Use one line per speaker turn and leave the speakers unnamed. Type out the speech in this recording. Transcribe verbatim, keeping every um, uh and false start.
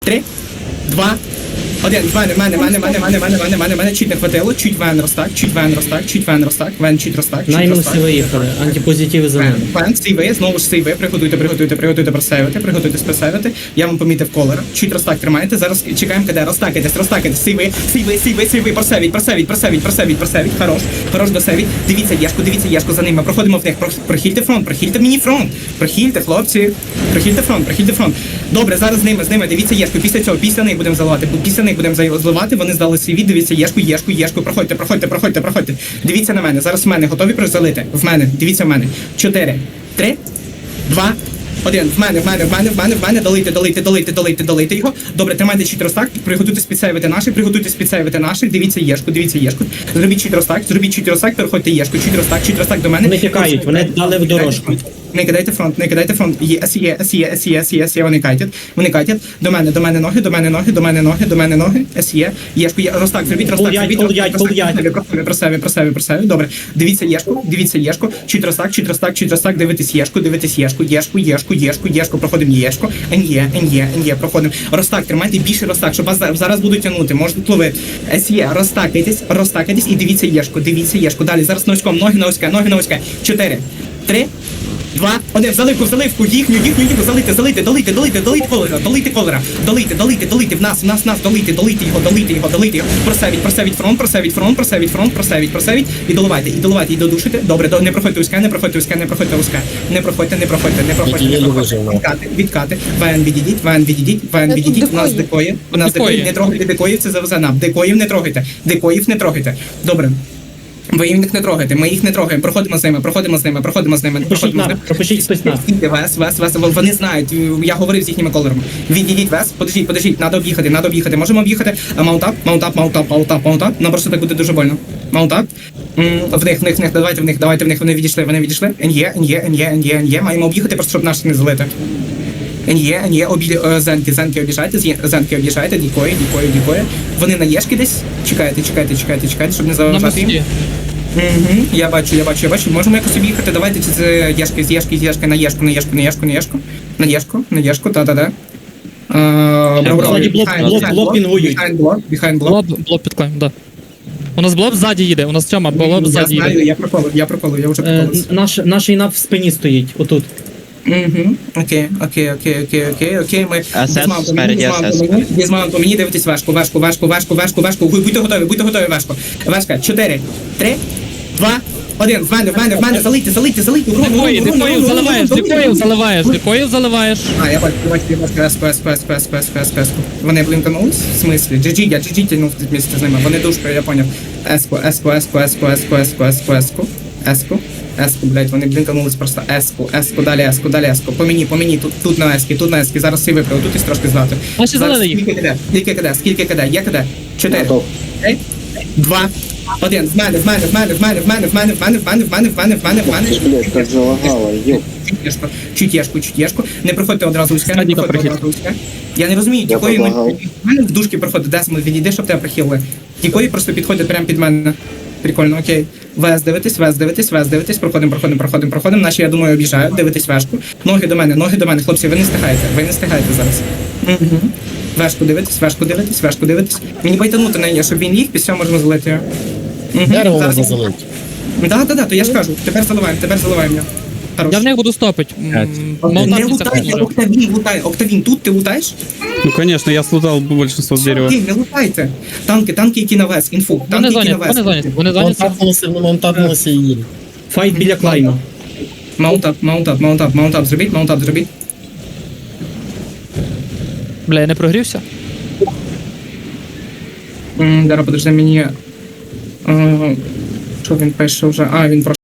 Три, два, один. В мене, в мене, в мене, в мене, в мене, в мене, в мене, в мене, в мене чуть не хватило, чуть вен розтак, чуть вен розтак, чуть вен розтак, вен чуть розтак, чуть
Наймилися
розтак.
виїхали, антипозитиви за ними.
Вен, сейви, знову ж сейви, приготуйте, приготуйте, приготуйте просейвити, приготуйте спесейвити. Я вам помітив колера, чуть розтак тримаєте, зараз чекаємо, коли розтакайтесь, розтакайтесь, сейви, сейви, сейви, сейви, просевіть, просевіть, просевіть, просевіть, просевіть, хорош, хорош досевіть. Дивіться Єшку, дивіться Єшку за ними, проходимо в них, Про- прохильте фронт, прохильте мені фронт, прохильте, хлопці, прохильте фронт, прохильте фронт. Добре, зараз з ними, з ними, дивіться Єшку, після цього, після них будемо заливати, після них будемо заливати, вони здали свій від, дивіться Єшку, Єшку, Єшку, проходьте, проходьте, проходьте, проходьте. Дивіться на мене, зараз в мене, готові залити? В мене, дивіться в мене. Чотири, три, два, один. В мене, в мене, в мене, в мене, в мене, долийте, долийте, долийте, долийте, долийте його. Добре, тримайте чіт розтак, приготуйтесь підсейвити наших, приготуйтесь підсейвити наших, дивіться Єшку, дивіться Єшку. Зробіть чіт розтак, зробіть чіт розтак, переходьте Єшку, чіт розтак, чіт розтак до мене.
Вони тікають, вони дали в дорожку.
Не кидайте фронт, не кидайте фронт. Є, є, є, є, є, є, вони катять, вони катять. До мене, до мене ноги, до мене ноги, до мене ноги, до мене ноги. Є, Єшку, є, розтак, зробіть розтак,
Пол'ять,
зробіть
пол'ять,
розтак,
пол'ять.
просеві, просеві, просеві, просеві. Добре, дивіться Єшку, дивіться Єшку, чуть розтак, чуть розтак, чуть розтак, дивитесь Єшку, дивитесь Єшку, Єшку, Єшку, Єшку, Єшку, проходимо Єшку, Ен'є, Ен'є, Ен'є, проходимо. Розтак, тримайте більше розтак, щоб вас за- зараз будуть тягнути, можете ловити. Є, розтакайтесь, розтакайтесь і дивіться Єшку, дивіться Єшку. Далі, зараз носком, ноги на узьке, ноги на узьке. Чотири, три, два, один, в заливку, в заливку, їхню, їхню, їхню, залийте, залийте, долийте, долийте, долийте колера, долийте колера, долийте, долийте, долийте, в нас, в нас, в нас, долийте, долийте його, долийте його, долийте його, просевіть, просевіть фронт, просевіть фронт, просевіть фронт, просевіть, просевіть, і доливайте, і доливайте, і додушите, добре, до- не проходьте узьке, не проходьте узьке, не проходьте узьке, не проходьте, не проходьте, не проходьте, не проходьте, відкати, відкати, вен відійдіть, вен відійдіть, вен відійдіть, у нас декої, у нас декої, не трогайте декоїв, це завезе нам, декоїв не трогайте, декоїв не трогайте, добре. Ви їх не трогаєте, ми їх не трогаємо, проходимо з ними, проходимо з ними, проходимо з ними,
Пропишіть
проходимо з
нас,
ними.
пропишіть хтось нас.
Скільки вес, вес, вес, вони знають, я говорив з їхніми колерами. Відійдіть вес, подождіть, подождіть, треба об'їхати, треба об'їхати. Можемо об'їхати, маунтап, маунтап, маунтап, маунтап, маунтап, нам просто так буде дуже больно. Маунтап, в них, в них, в них, давайте в них, давайте в них, вони відійшли, вони відійшли. Ен'є, ен'є, ен'є, ен'є, ен'є, маємо об'їхати, просто щоб наших не залити. Ен'є, ен'є, обі... е, зенки, зенки об'їжджайте, з'є- зенки об'їжджайте, дікої, дікої, дікої. Вони на єшки десь, чекайте, чекайте, чекайте, чекайте, щоб не
На
заважати їм.
мості.
Угу, я бачу, я бачу, я бачу. Можемо якось об'їхати, давайте чи з Єшки, з Єшки, з Єшки, на Єшку, на Єшку, на Єшку, на Єшку, на Єшку, на Єшку, та-та-та.
Ззаді блок, блок, блок пінгують.
Behind block, behind block.
Блоб, блоб підклаємо, да. У нас блоб ззаді їде, у нас Тьома, блоб
Я
ззаді
знаю,
їде.
я проколив, я проколив, я вже
Е,
проколив.
Наш, наш інап в спині стоїть, отут.
Угу, окей, окей, окей, окей, окей, окей, ми
Асес
візьмемо по мені,
спереді,
візьмемо
асес.
по мені, візьмемо по мені, дивитесь вешку, вешку, вешку, вешку, вешку, вешку, будьте готові, будьте готові, вешку. Вешка, чотири, три, два, один, в мене, в мене, в мене, залийте, залийте, залийте, урон, урон,
Дикоїв,
урон,
дикоїв
урон, урон,
заливаєш,
урон,
дикоїв
урон.
заливаєш, дикоїв заливаєш.
А, я бачу, я бачу, я бачу, еску, еску, еску, еску, еску, еску, еску. Вони блінканулись? В смислі? джі джі, я джі джі тягнув місце з ними. Вони душкою, я поняв. Еску, еску, еску, еску, еску, еску, еску, еску. Еску, еску, блядь, вони блінканулись просто. Еску, еску, далі еску, далі еску. По мені, по мені, тут, тут на ескі, тут на ескі. Зараз всі виправив, тут і трошки здати.
Наші
Зараз
залили їх.
скільки киде, скільки киде, скільки киде, є киде? Чотири. Три, два, один. В мене, в мене, в мене, в мене, в мене, в мене, в мене, в мене, в мене, в мене, в мене, в мене.
Ти ж, блядь, так залагало, йоп.
Чутєшко, чутєшку, чутєшку. Не проходьте одразу узьке, не
Садіка
проходьте
прихід.
одразу узьке. Я не розумію,
Я
дікої ми...
предлагав.
В мене в дужки проходить, Десмонд, відійди, щоб тебе прихилили. Дікої просто підходять прямо під мене. Прикольно, окей. Вес дивитесь, вес дивитесь, вес дивитесь, проходимо, проходимо, проходимо, проходимо. Наші, я думаю, об'їжджають, дивитесь вешку. Ноги до мене, ноги до мене, хлопці, ви не стигаєте, ви не стигаєте зараз. Угу. Вешку дивитесь, вешку дивитесь, вешку дивитесь. Мені байтанути на неї, щоб він їх, після цього можемо залити його. Угу.
Дерево
Зараз-
можна залити.
Да, да, да, то я ж кажу, тепер заливаємо, тепер заливаємо його. Хорош.
Я в них буду стопить.
Не
Молотарки
лутай,
це
Октавін лутай. Октавін, тут ти лутаєш?
Ну, конечно, я слутал большинство дерева.
Окей, не лутайте. Танки, танки, які на вес, інфу.
Вони
Танки, які на
зайняті, вони
вес.
зайняті, вони
Вон
зайняті.
тапнулося, вон тапнулося і їде.
Файт біля клайма.
Маунтап, маунтап, маунтап, маунтап зробіть, маунтап зробіть.
Бля, я не прогрівся.
М, Зараз, подожди, мені... е, Що він пише вже? А, він про